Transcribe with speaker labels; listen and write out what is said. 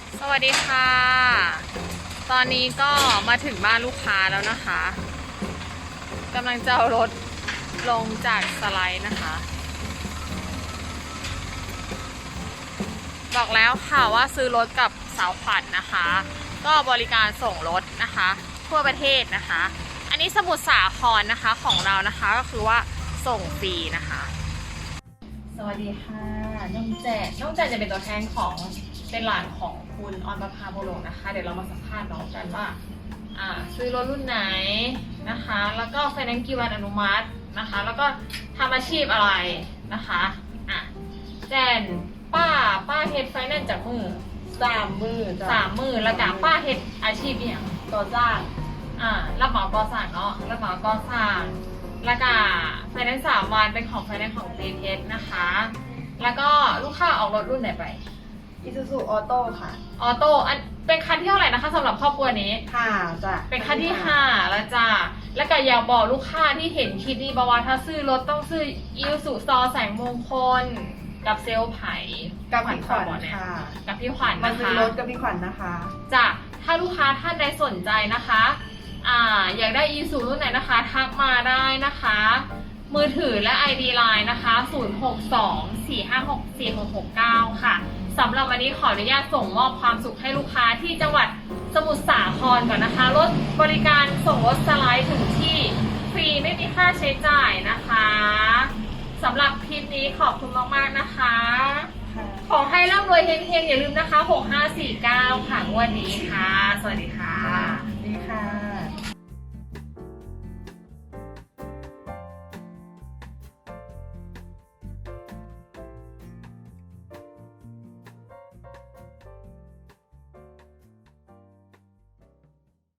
Speaker 1: สวัสดีค่ะ ตอนนี้ก็มาถึงบ้านลูกค้าแล้วนะคะกำลังจะเอารถลงจากสไลด์นะคะ บอกแล้วค่ะว่าซื้อรถกับสาวขวัญนะคะ ก็บริการส่งรถนะคะทั่วประเทศนะคะ อันนี้สมุทรสาครนะคะของเรานะคะก็คือว่าส่งฟรีนะคะ สวัสดีค่ะน้องแจจะเป็นตัวแทนของเป็นหลานของคุณออนประภาโบโลกนะคะเดี๋ยวเรามาสัมภาษณ์น้องกันว่าซื้อรถรุ่นไหนนะคะแล้วก็ไฟแนนซ์กี่วันอนุมัตินะคะแล้วก็ทำอาชีพอะไรนะคะแจนป้าเฮ็ดไฟแนนซ์จากมือ3 มือแล้วก็ป้าเฮ็ดอาชีพเนี่ยก่อสร้างรับเหมาก่อสร้างเนาะรับเหมาก่อสร้างแล้วก็ไฟแนนซ์3 วันเป็นของไฟแนนซ์ของเทสนะคะแล้วก็ลูกค้าออกรถรุ่นไหนไป
Speaker 2: Isuzu Auto ค่ะ
Speaker 1: ออโต้อันเป็นคันที่เท่าไหร่นะคะสำหรับครอบครัวนี้
Speaker 2: จ้ะ
Speaker 1: เป็นคันที่5แล้วจ้าแล้วก็อยากบอกลูกค้าที่เห็นคลิปนี้บอกว่าถ้าซื้อรถต้องซื้อ Isuzu ซอแสงมงคลกับเซลล์ไผ่
Speaker 2: กับพี่ขวัญค่ะ
Speaker 1: กับพี่ขวัญ
Speaker 2: มา
Speaker 1: นะ
Speaker 2: ซื้อ
Speaker 1: คะ
Speaker 2: รถกับพี่ขวัญนะคะ
Speaker 1: จ้ะถ้าลูกค้าท่านใดสนใจนะคะอยากได้ Isuzu รุ่นไหนนะคะทักมาได้นะคะมือถือและ ID Line นะคะ0624564669ค่ะสำหรับวันนี้ขออนุญาตส่งมอบความสุขให้ลูกค้าที่จังหวัดสมุทรสาครก่อนนะคะรถบริการส่งรถสไลด์ถึงที่ฟรีไม่มีค่าใช้จ่ายนะคะสำหรับคลิปนี้ขอบคุณมากๆนะคะขอให้ร่ำรวยเฮงๆอย่าลืมนะคะ6549ค่ะงวดนี้ค่ะสวัสดีค่ะ
Speaker 2: ดีค่ะ